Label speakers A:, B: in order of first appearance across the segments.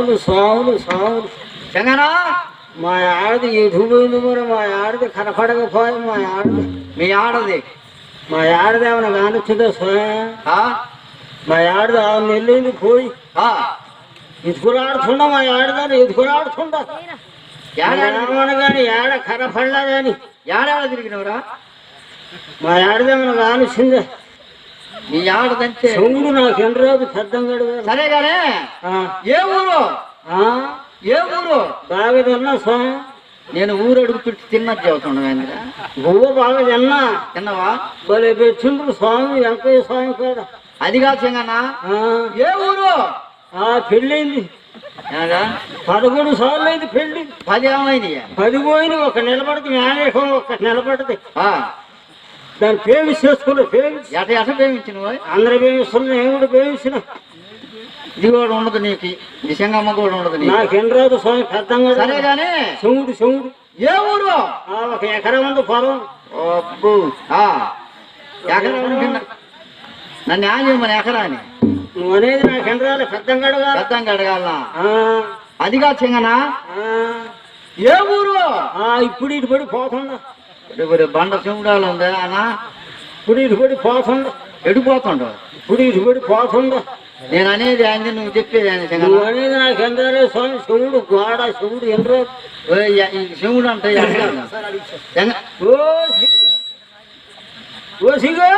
A: స్వాములు
B: చెంగనా
A: మా ఆడది ఎదుగుపోయింది మరి మా ఆడది కనపడకపోయి
B: మీ ఆడది
A: మా ఆడది ఏమైనా కానొచ్చిందో స్వామి
B: ఆ?
A: మా ఆడది 6 నెలలు పోయి
B: ఆ.
A: ఎదుకులాడుతుండ మా ఆడదాన్ని ఎదుకులాడుతుండ కానీ ఏడ కనపడలా కానీ
B: ఏడాడ తిరిగినవరా
A: మా ఆడదేమైనా కానొచ్చిందే
B: మీ ఆడదంటే
A: చెవుడు నాకు ఎన్ని రోజు పెద్దంగాడు
B: సరే గానే ఏ ఊరు ఏ ఊరు
A: బాగా తిన్నా స్వామి
B: నేను ఊరు అడుగు పెట్టి తిన్నది చెబుతుండగా
A: బువ్వ బాగా
B: తిన్నావా
A: భలే పెట్టిండ్రు స్వామి వెంకయ్య స్వామి కాడ
B: అది కాదు చెంగన్నా ఏ ఊరు
A: పెళ్ళైంది 11 సార్లు అయింది పెళ్ళి
B: 10 ఏమైంది
A: 10 పోయింది ఒక నిలబడితే మేనేకం ఒక నిలబడితే దాన్ని పేమిస్ చేసుకోలేదు పేమిస్
B: ఎట పేమించిన
A: అందరూ పేమిస్తున్నా నేను కూడా పేమించిన
B: ఇది కూడా ఉండదు నీకు ఈ చెంగమ్మ కూడా ఉండదు
A: నాకెన్ని రోజు స్వామి పెద్దంగా
B: సరే గానీ
A: చెవుడు
B: ఏ ఊరు
A: 1 ఎకరం ఉంది పొలం
B: అబ్బు ఎకరా నన్ను ఏం చేయమని ఎకరాని
A: నువ్వు అనేది నాకు ఎండ్రాలి పెద్దంగా
B: అడగాల అది కాదు చెంగనా ఏ ఊరు
A: ఇప్పుడు ఇటు పడి పోతుండ
B: బండ చెముడాలు ఉందా అన్నా
A: ఇప్పుడు ఇటు పడి పోతుండ
B: ఎడిపోతుండ
A: ఇప్పుడు ఇటు పడి పోతుండ
B: నేను అనేది ఆయన నువ్వు చెప్పేది ఆయన
A: నువ్వు అనేది నాకు ఎండ్రాలే స్వామి శివుడు గోడ శివుడు ఎండ్రా
B: శివుడు అంటే
A: ఓ సిగో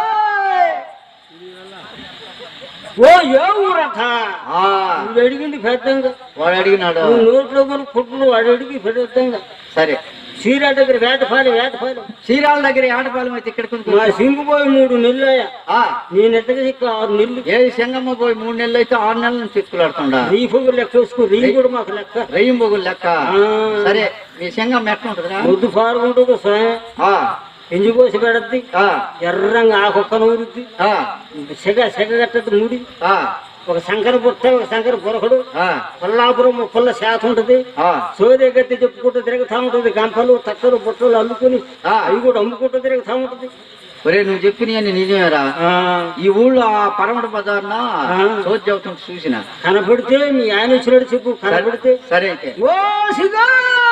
A: ఓ ఏ ఊరట నువ్వు అడిగింది పెద్దంగా
B: వాడు అడిగినాడు
A: నోట్లో కొన్ని పుట్లు వాడు అడిగి పెద్దంగా
B: సరే
A: చీరాల దగ్గర వేటపాలి
B: చీరాల దగ్గర ఏటపాలెం అయితే ఇక్కడ
A: మా సింగు పోయి 3 నెలలు అయ్యా నేను ఎట్టగా 6 నెలలు
B: ఏ చెంగమ్మ పోయి 3 నెలలు అయితే 6 నెలల నుంచి చిక్కులాడుతుండా
A: రీ పొగులు లెక్క వేసుకో రీ కూడా మాకు లెక్క
B: రెయ్యం పొగులు లెక్క సరే మీ చెంగమ్మ ఎట్లా ఉంటుందా
A: ముద్దు పారుకుంటుంది స్వయం ఎంజి కోసి పెడద్ది ఎర్రంగా ఆకొక్కను ఊరుద్ది సెగ కట్టద్ది ముడి ఒక శంకర బుట్ట ఒక శంకర బురకడు కొల్లాపురం పుల్ల శాత ఉంటది సోదే గట్టి చెప్పుకుంటూ తిరుగుతా ఉంటది గంపలు తక్కలు బుట్టలు అల్లుకుని అవి కూడా అమ్ముకుంటూ తిరుగుతా ఉంటది
B: ఒరే నువ్వు చెప్పిన నిజమేరా ఈ ఊళ్ళో ఆ పరమట బజార్న సోది చెబుతుంటే చూసిన
A: కనపడితే మీ ఆయన వచ్చినట్టు చెప్పు కనపడితే
B: సరే అయితే
A: ఓ సిగా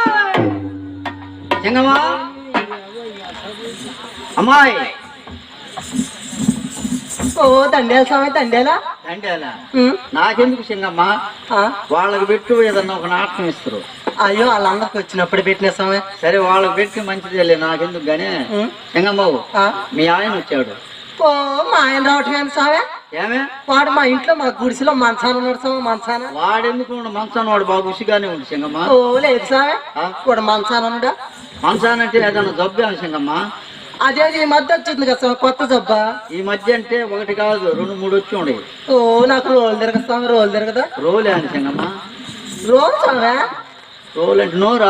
B: చెంగమ్మా అమ్మాయి
C: ఓ దండేల స్వామి దండేలా
B: నాకెందుకు చెంగమ్మ వాళ్ళకి పెట్టు ఏదన్నా ఒక నాటకం ఇస్తారు
C: అయ్యో వాళ్ళందరికి వచ్చినప్పుడు పెట్టిన స్వామి
B: సరే వాళ్ళకి పెట్టి మంచిదేలే నాకెందుకు గానే చెంగమ్మవు మీ ఆయన వచ్చాడు
C: ఓ మా ఆయన రావటం కానీ స్వామి
B: ఏమే
C: వాడు మా ఇంట్లో మా గుడిసెలో మంచాన ఉన్నాడు స్వామి మంచాన
B: వాడెందుకు మంచాన వాడు బాగా ఉసిగానే ఉంది చెంగమ్మ
C: ఓ లేదు స్వామి వాడు మంచాన ఉన్నాడా
B: మంచాన అంటే ఏదన్నా జబ్బు ఏమి చెంగమ్మ
C: అదే ఈ మధ్య వచ్చింది కదా స్వామి కొత్త జబ్బా
B: ఈ మధ్య అంటే 1 కాదు 2 3 వచ్చి ఉండే
C: ఓ నాకు రోలు తిరగదు స్వామి రోలు తిరగదా
B: రోలే అని చెంగమ్మ
C: రోలు స్వామి
B: రోలు అంటే నోరా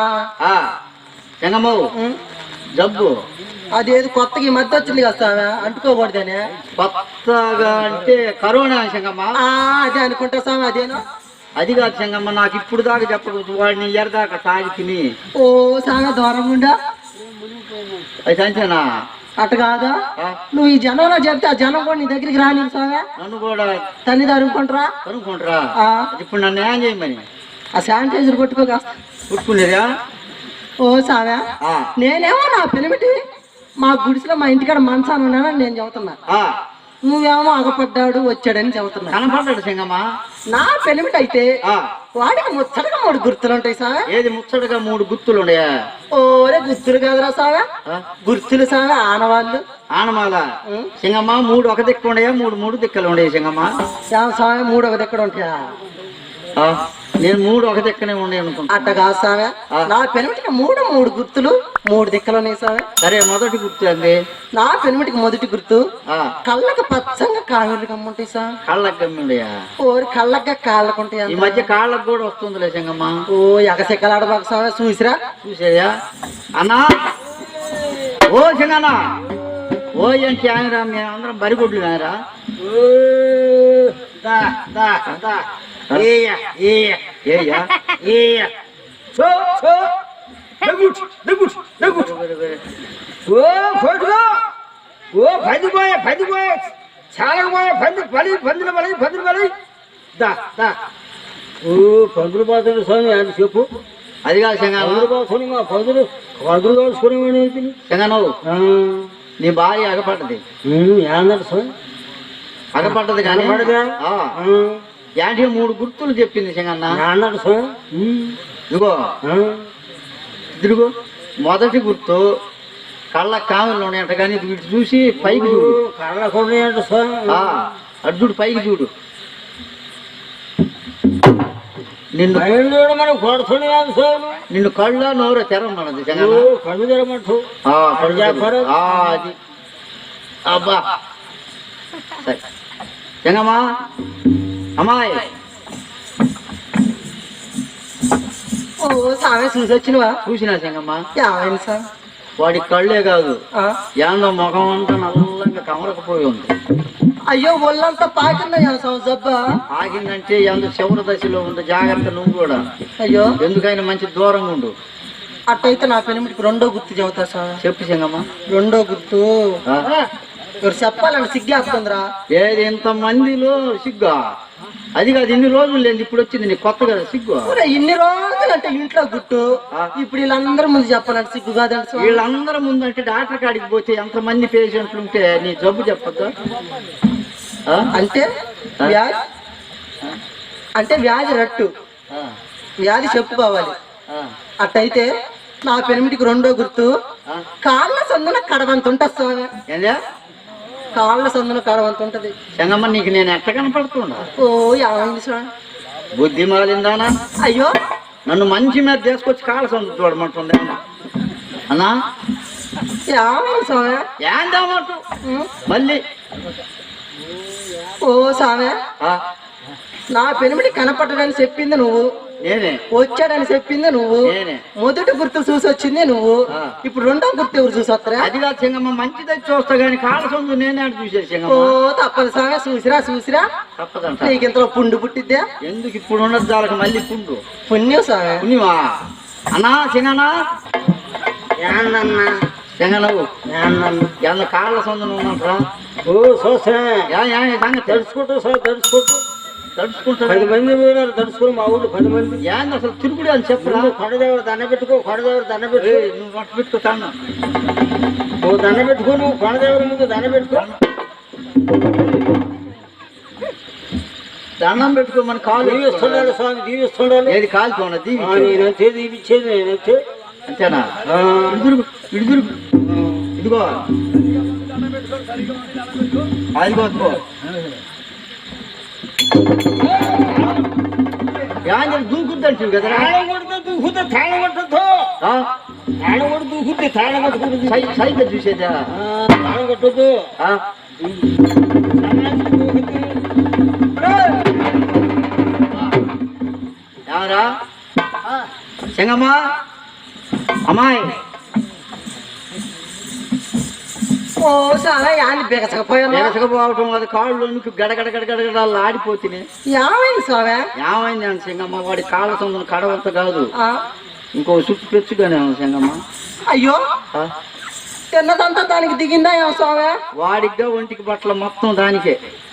B: చెంగమ్మవు జబ్బు
C: అదేది కొత్తగా ఈ మధ్య వచ్చింది కదా స్వామి అంటుకోకూడదని
B: కొత్తగా అంటే కరోనా చెంగమ్మ
C: అదే అనుకుంటా స్వామి అదేనా
B: అది కాదు చెంగమ్మ నాకు ఇప్పుడు దాకా చెప్పకూడదు వాడిని ఎరదాకా తాగి తిని
C: ఓ చాలా దూరం ఉండా
B: అది సంచనా
C: అట్ట కాదా నువ్వు ఈ జనంలో చెప్తే ఆ జనం కూడా నీ దగ్గరికి రాని స్వామి
B: నన్ను కూడా
C: తల్లి తరుముకుంటారా
B: ఇప్పుడు నన్ను ఏం చేయమని
C: ఆ శానిటైజర్
B: పుట్టుకునేదా
C: ఓ సావా నేనేమో నా పెనిమిటి మా గుడిసెలో మా ఇంటికాడ మంచాను ఉన్నానని నేను చెబుతున్నా నువ్వేమో అగపడ్డాడు వచ్చాడని చెబుతున్నా
B: కనపడ్డాడు చెంగమ్మ
C: నా పెనిమిటి అయితే వాడికి ముచ్చటగా 3 గుర్తులు ఉంటాయి సావా
B: ఏది ముచ్చటగా 3 గుర్తులు ఉన్నాయా
C: ఓరే గుర్తులు కాదురా సావా గుర్తులు సావా ఆనవాళ్ళు
B: ఆనమాల చెంగమ్మ 3 ఒక దిక్కు ఉండయా 3 దిక్కలు ఉండేవి చెంగమ్మ
C: సావా 3 ఒక దిక్కడ ఉంటాయా
B: నేను 3 ఒక దిక్కనే ఉండే అనుకుంటా
C: అట్ట కాదు సావా నా పెనిమిటికి 3 గుర్తులు 3 దిక్కలు ఉన్నాయి సావా
B: సరే మొదటి గుర్తు అండి
C: నా పెనిమిటికి మొదటి గుర్తు కళ్ళకి పచ్చంగా కాళ్ళు కమ్ముంటాయి సార్
B: కాళ్ళకి కమ్ముండయా
C: ఓరి కళ్ళకి కాళ్ళకు ఉంటాయి
B: ఈ మధ్య కాళ్ళకు కూడా వస్తుందిలే చెంగమ్మ
C: ఓ ఎగసెక్కలాడబాకు సావా చూసాయా
B: అన్నా ఓ చెంగన్నా ఓ ఏంటి ఆయనరా మేము అందరం బరిగొడ్లు ఆయనరా
A: చాలా పందులు బలి దా దా ఓ పందులు పోతాడు స్వామి అది చెప్పు.
B: అది కాదు సింగాన
A: పందులు పోతాడు మా పందులు తోడుచుకునేవాడి
B: సింగనవు నీ భార్య అగపడ్డది
A: ఏందంట స్వామి
B: అగపడ్డది కానీ
A: పడదా
B: యాంటీ 3 గుర్తులు చెప్పింది సింగన్న.
A: ఏందంట స్వామి
B: ఇదిగో ఇదిగో మొదటి గుర్తు కళ్ళ కామెలు ఉన్నాయంట కానీ వీటి చూసి పైకి చూడు.
A: కళ్ళ కొన్నాయంట స్వామి.
B: అటు చూడు పైకి చూడు. నిన్ను
A: మనం కొడుతుంది కాదు స్వామి.
B: నిన్ను కళ్ళ నోరు తెరమన్నది
A: కళ్ళు తెరమంటు
B: అది అబ్బా సరే జంగమ్మా అమ్మాయి
C: ఓ సామె చూసి వచ్చినవా?
B: చూసినా సింగమ్మ
C: ఏమైంది సార్?
B: వాడి కళ్ళే కాదు ఏందో ముఖం అంతా నల్లంగా కమరకపోయి ఉంది.
C: అయ్యో ఒళ్ళంతా పాకిందా జబ్బా?
B: ఆగిందంటే ఎందు చివరి దశలో ఉంది. జాగ్రత్త నువ్వు కూడా.
C: అయ్యో
B: ఎందుకైనా మంచి దూరంగా ఉండు.
C: అట్టయితే నా పెనిమిటికి 2వ గుర్తు చెబుతా సార్.
B: చెప్పు సింగమ్మ.
C: 2వ గుర్తు ఎవరు చెప్పాలని సిగ్గేస్తుందిరా.
B: ఏది ఇంత మందిలో సిగ్గా? అది కాదు ఇన్ని రోజులు లేదు ఇప్పుడు వచ్చింది నీకు కొత్త కదా సిగ్గు.
C: ఇన్ని రోజులు అంటే ఇంట్లో గుట్టు ఇప్పుడు వీళ్ళందరూ ముందు చెప్పాలంటే సిగ్గు కాదండి.
B: వీళ్ళందరూ ముందు అంటే డాక్టర్ కాడికి పోతే ఎంతమంది పేషెంట్లు ఉంటే నీ జబ్బు చెప్పద్దు.
C: అంటే వ్యాధి అంటే వ్యాధి రట్టు వ్యాధి చెప్పుకోవాలి. అట్టయితే నా పెనిమిటికి 2వ గుర్తు కాళ్ళ సందున కడవంత ఉంటుంది స్వామి. కాళ్ళ సందున కడవంత ఉంటది.
B: చెంగమ్మ నీకు నేను ఎట్ట కనపడుతున్నా?
C: ఓ ఏమైంది స్వామి?
B: బుద్ధి మాలిందానా?
C: అయ్యో
B: నన్ను మంచి మీద తీసుకొచ్చి కాళ్ళ సందు చూడమంటుంది అన్నా.
C: ఏమైంది స్వామి?
B: ఏందన్నట్టు మళ్ళీ
C: ఓ స్వామి నా పెనిమిటి కనపడ్డాడని చెప్పింది నువ్వు,
B: నేనే
C: వచ్చాడని చెప్పింది నువ్వు, మొదటి గుర్తు చూసి వచ్చింది నువ్వు, ఇప్పుడు 2వ గుర్తు ఎవరు చూసి వస్తారా?
B: అది కాదు సింగమ్మ మంచిది చూస్తా గానీ కాళ్ళ సొందు నేనే చూసే.
C: ఓ తప్పదు స్వామి. చూసిరా
B: తప్పదంట.
C: నీకు ఇంతలో పుండు పుట్టిద్దా?
B: ఎందుకు ఇప్పుడు ఉన్నది దానికి మళ్ళీ పుండు
C: పుణ్యం స్వామి.
B: పుణ్యమా అన్నా సింగనా సింగనవు ఎంత కాళ్ళ సొందు ఉన్నట్రా?
A: ఓ చూస్తా తడుచుకుంటూ సార్ తడుచుకుంటా 10 మంది పోయినారు తడుచుకుని మా ఊళ్ళో 10 మంది.
B: ఏంది అసలు తిరుగుడు అని చెప్పరా?
A: కొండదేవుడు దండ పెట్టుకో
B: నువ్వు వంట పెట్టుకుంటాను.
A: ఓ దండ పెట్టుకో, నువ్వు కొండదేవుడి ముందు దండ పెట్టుకో.
B: దండం పెట్టుకోమని కాలు
A: దీవిస్తున్నాడు స్వామి దీవిస్తున్నాడు.
B: ఏది కాలుతోన
A: నేనైతే దీవిచ్చేది నేనైతే
B: అంతేనా? ఇడుదురు ఇదిగో అదిగో దూకుద్దంటు కదా.
A: దూకుతే తాళం కొట్టద్దు, తాళం కొట్టు దూకుతే తాళం కొట్టుకుంటుంది.
B: సైకిల్ చూసేదా?
A: తాళం కొట్టద్దు.
B: ఎవరా చెంగమ్మ అమ్మాయి?
C: ఓ చాలా యాన్ని
B: బెగసకపోవటం అది కాళ్ళు గడగడ గడగడ ఆడిపోతుంది.
C: ఏమైంది స్వామి?
B: ఏమైంది అని సింగమ్మ వాడి కాళ్ళ సొంతం కడవంత కాదు ఇంకో చుట్టు పెచ్చుగానే సింగమ్మ.
C: అయ్యో తిన్నదంతా దానికి దిగిందా ఏమో స్వామి?
B: వాడిగా ఒంటికి బట్టలు మొత్తం దానికే.